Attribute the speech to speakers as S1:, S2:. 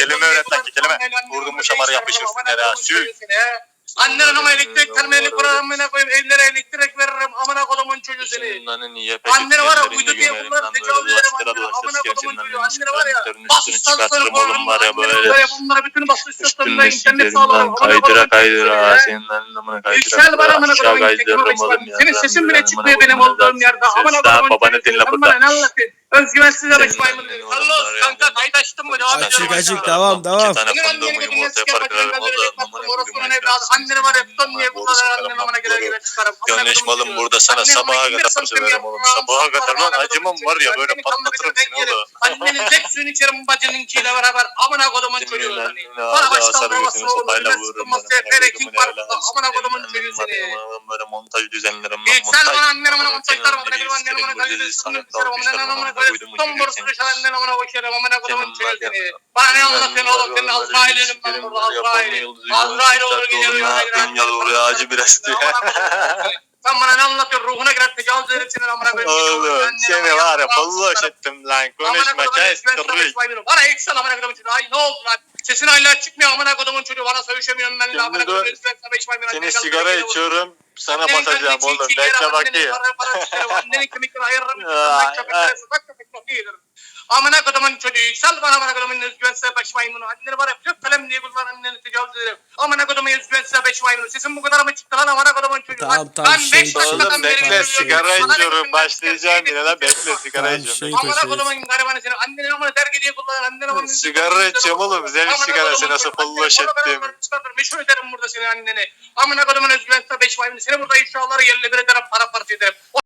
S1: Kelime öğret lan ki kelime. Vurdum bu şamarı yapışırsın ya. Sül.
S2: Annen ama elektrik terminali kurarım koyayım evlere elektrik veririm amına kodumun çocuğu seni. Annene var ya uydu diye bunları tecavüz ederim annene amına kodumun çocuğu annene var ya bas istasyonu
S1: oğlum var ya böyle.
S2: Bunları bütün bas istasyonunda
S1: Üstünde
S2: internet sağlarım amına
S1: kaydıra
S2: kaydıra
S1: senin amına kaydıra.
S2: Yüksel bana amına
S1: Aşağı
S2: kodumun
S1: kaydırırım oğlum ya.
S2: senin sesin bile çıkmıyor benim olduğum yerde amına kodumun
S1: Babanı dinle
S2: sen
S1: burada.
S2: bana ne anlatıyorsun? Özgüvensiz
S1: Senin
S2: maymun.
S1: annen
S2: Allah
S1: oğlum var ya.
S2: kanka kayıt açtın mı? Devam ediyorum.
S3: Açık devam.
S1: İki tane fındığımı yumurtaya parkırarım.
S2: Orospu'nun evladı. Anneni var ya tutan niye kullanır anneni amına gelir çıkarım.
S1: Gönleş malım burada sana sabaha kadar söverim oğlum. Sabaha kadar lan acımam var ya böyle patlatırım seni oğlum.
S2: Annenin zek suyunu içerim bacınınkiyle beraber amına kodumun çocuğu seni. Bana baştan babasını oğlum. Pereking var burada amına kodumun çocuğu seni.
S1: Böyle montaj düzenlerim.
S2: Yüksel bana anneni amına montajlarım. Anneni amına kayırsın. Amına kayırsın. Tam borusu düşen anneni amına koşarım. Amına kodumun çocuğu seni. Bana ne anlatıyorsun oğlum? Senin Azrail'in ben burada Azrail'in. Azrail olur gidiyor.
S1: Dünya doğru acı biraz diye.
S2: Sen bana ne anlatıyorsun? Ruhuna girer tecavüz ederim senin amına koyayım.
S1: Oğlum seni var ya falloş ettim lan. Konuşma kes kırrık.
S2: Bana yüksel amına kodumun çocuğu. Ay ne oldu lan? Sesin hala çıkmıyor amına kodumun çocuğu. Bana sövüşemiyorsun benimle amına kodumun çocuğu.
S1: Seni sigara içiyorum. Sana basacağım oğlum. Bekle bakayım.
S2: Annenin kemikleri ayırırım. Bak köpek çok iyidir. Amına kodumun çocuğu yüksel bana amına kodumun özgüvensiz beş maymunu. Anneni var ya kök kalem diye kullan anneni tecavüz ederim. Amına kodumun özgüvensiz beş maymunu. Sesin bu kadar mı çıktı lan amına kodumun çocuğu?
S3: Tamam,
S2: Ben 5
S1: Oğlum
S2: dakikadan beri
S1: bekle sigara içiyorum. Başlayacağım yine lan bekle sigara
S3: Tamam,
S1: içiyorum.
S2: Amına kodumun garibanı seni. Anneni amına terk diye kullan. Anneni amına
S1: Sigara içiyorum oğlum. Zevk sigarası nasıl falloş ettim.
S2: Meşhur ederim burada seni anneni. Amına kodumun özgüvensiz beş maymunu. Seni burada ifşaları yerle bir ederim para parça ederim.